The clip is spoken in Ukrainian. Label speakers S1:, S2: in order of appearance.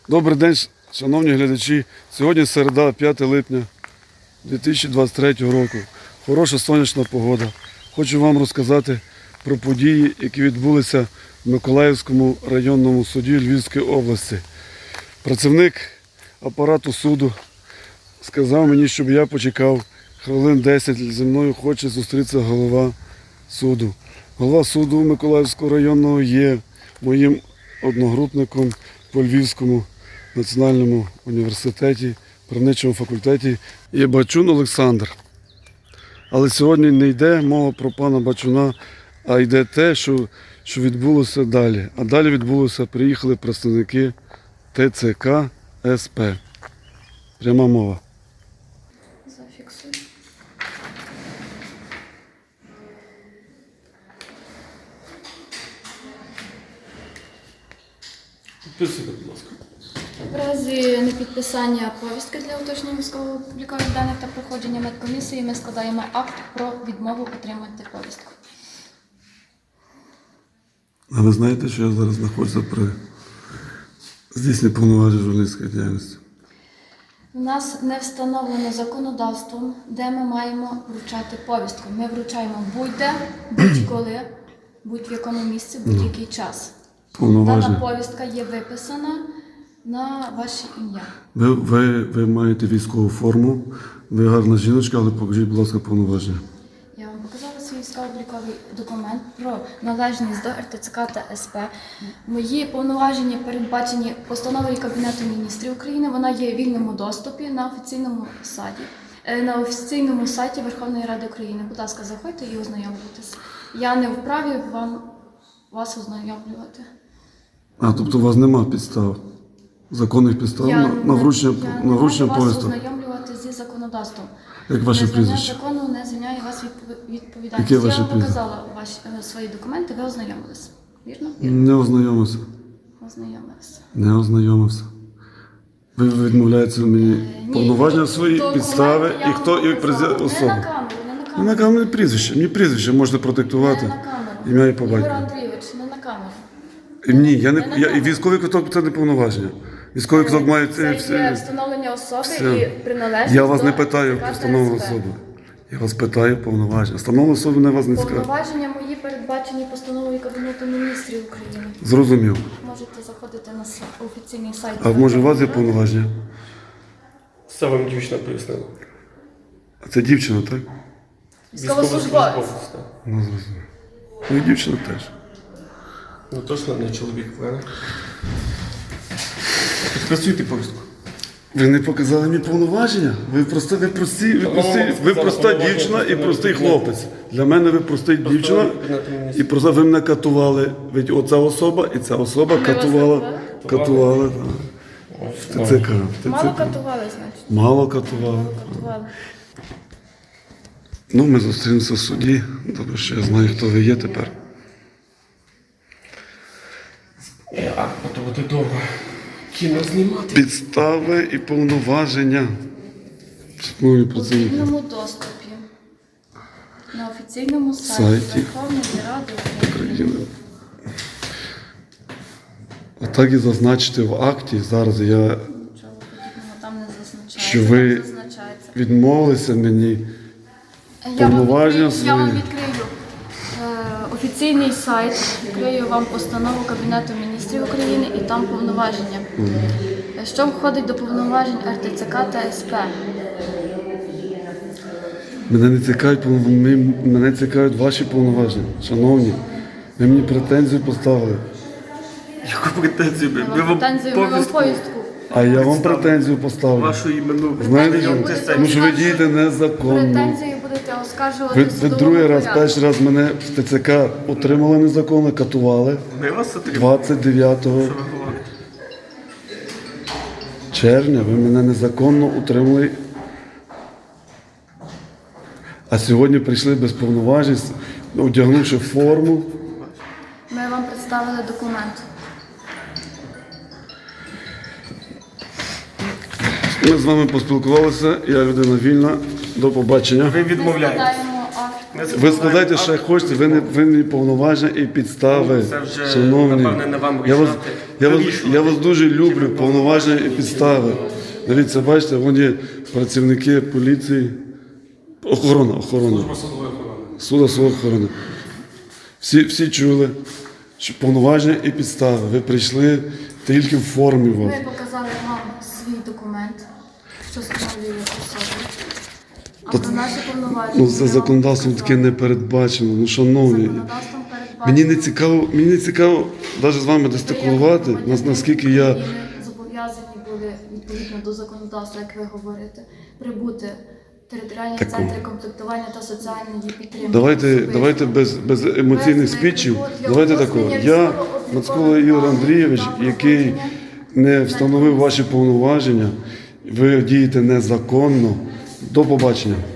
S1: Добрий день, шановні глядачі. Сьогодні середа, 5 липня 2023 року. Хороша сонячна погода. Хочу вам розказати про події, які відбулися в Миколаївському районному суді Львівської області. Працівник апарату суду сказав мені, щоб я почекав хвилин 10. Зі мною хоче зустрітися голова суду. Голова суду Миколаївського районного є моїм одногрупником по Львівському національному університеті, правничому факультеті є Бачун Олександр. Але сьогодні не йде мова про пана Бачуна, а йде те, що відбулося далі. А далі відбулося, приїхали представники ТЦК СП. Пряма мова.
S2: Зафіксуй.
S1: Підписуйте, будь ласка.
S2: В разі непідписання повістки для уточнення військово-облікових даних та проходження медкомісії ми складаємо акт про відмову отримати повістку.
S1: А ви знаєте, що я зараз знаходжуся при здійсненні повноважень журналістської діяльності?
S2: У нас не встановлено законодавством, де ми маємо вручати повістку. Ми вручаємо будь-де, будь-коли, будь-в якому місці, будь-який час. Дана
S1: Повноваження.
S2: повістка є виписана на ваше ім'я.
S1: Ви маєте військову форму, ви гарна жіночка, але покажіть, будь ласка, повноваження.
S2: Я вам показала свій військово-обліковий документ про належність до РТЦК та СП. Мої повноваження передбачені постановою Кабінету міністрів України. Вона є в вільному доступі на офіційному сайті Верховної Ради України. Будь ласка, заходьте і ознайомлюйтесь. Я не вправі вас ознайомлювати.
S1: А, тобто у вас нема підстав, законних підстав на вручення
S2: повісток. Я
S1: повісток?
S2: не ознайомлювати зі законодавством.
S1: Як ваше прізвище?
S2: Незнання закону не звільняє вас від відповідальності.
S1: Яке ваше
S2: Я вам
S1: прізвище?
S2: показала свої документи, ви ознайомились. Вірно?
S1: Не ознайомився.
S2: Ознайомилися.
S1: Не ознайомився. Ви відмовляєте мені повноваження свої,
S2: Документи
S1: підстави
S2: я
S1: і хто
S2: вам
S1: і
S2: показала.
S1: особа.
S2: Не на камеру, не на
S1: Не
S2: камеру.
S1: на камері прізвище. Мені прізвище можете продиктувати.
S2: Не на камеру.
S1: Ім'я і по
S2: Ігор
S1: батькові.
S2: Андрійович, не на камеру.
S1: Ні,
S2: на
S1: і військовий квиток це не повноваження. Військовий квиток має
S2: Це є встановлення особи
S1: все.
S2: і приналежність
S1: Я вас
S2: до
S1: не питаю
S2: ТЦК
S1: про
S2: та
S1: встановлену
S2: СП.
S1: особу. Я вас питаю повноваження. Встановлену особу не вас не скажу.
S2: Повноваження мої передбачені постановою Кабінету міністрів України.
S1: Зрозумів.
S2: Можете заходити на офіційний сайт.
S1: А може у вас є повноваження?
S3: Це вам дівчина пояснила.
S1: А це дівчина, так?
S2: Військовослужбовець.
S3: так.
S1: Ну, зрозумів. Ну і дівчина теж.
S3: Ну точно не чоловік, правильно? Підписуйте повістку.
S1: Ви не показали мені повноваження? Ви проста дівчина і простий хлопець. Для мене ви проста дівчина і просто ви мене катували. Ведь оця особа і ця особа катувала. Катували, так. В ТЦК.
S2: Мало катували, значить.
S1: Мало катували.
S2: Катували.
S1: Ну, ми зустрінемося в суді. Добре, що я знаю, хто ви є тепер.
S3: А то буде довго. Кіно знімати.
S1: Підстави і повноваження. Шановні
S2: У
S1: працівники.
S2: вільному доступі. На офіційному сайті
S1: Сайті.
S2: Верховної Ради України.
S1: України. Отак і зазначити в акті. Зараз я
S2: Нічого подібного там не зазначається.
S1: Що ви
S2: Там зазначається.
S1: відмовилися мені.
S2: Я вам
S1: повноваження
S2: відкрию офіційний сайт, відкрию вам постанову Кабінету міністрів України і там повноваження. Що входить до повноважень РТЦК та СП?
S1: Мене цікавлять ваші повноваження. Шановні, ви мені претензію поставили.
S3: Яку претензію?
S2: Ми вам повістку.
S1: А я вам претензію поставлю.
S3: Вашу імену.
S1: Знаєте,
S2: Претензію
S1: тому що ви
S2: будете
S1: дієте незаконно.
S2: Претензії будете оскаржувати
S1: Ви
S2: в судовому
S1: другий раз,
S2: порядку.
S1: перший раз мене в ТЦК утримали незаконно, катували
S3: Ми вас отримали.
S1: 29
S3: Що ви говорите?
S1: червня. Ви мене незаконно утримали. А сьогодні прийшли без повноважень, одягнувши форму.
S2: Ми вам представили документ.
S1: Ми з вами поспілкувалися, я людина вільна. До побачення.
S3: Ви відмовляєтесь.
S2: Складаємо акт
S1: Ви складайте ще хочете, ви не повноваження і підстави.
S3: Це вже,
S1: Шановні,
S3: напевне, не вам
S1: я вас,
S3: вирішувати.
S1: я вас дуже люблю, повноваження і підстави. Дивіться, бачите, вон є працівники поліції, охорона. Судової охорони. Всі чули, що повноваження і підстави. Ви прийшли тільки в формі вас.
S2: Ми показали вам свій документ, що встановлює особу. А про наші повноваження.
S1: Ну, це законодавством таке не передбачено. Ну, шановні,
S2: Законодавством передбачено.
S1: мені не цікаво навіть з вами дестикулувати, наскільки я.
S2: України зобов'язані були відповідно до законодавства, як ви говорите, прибути в територіальні центри комплектування та соціальної підтримки.
S1: Давайте без емоційних спічів. Давайте такого. Я, Мацкула Ігор Андрійович, який не встановив ваші повноваження, ви дієте незаконно. До побачення.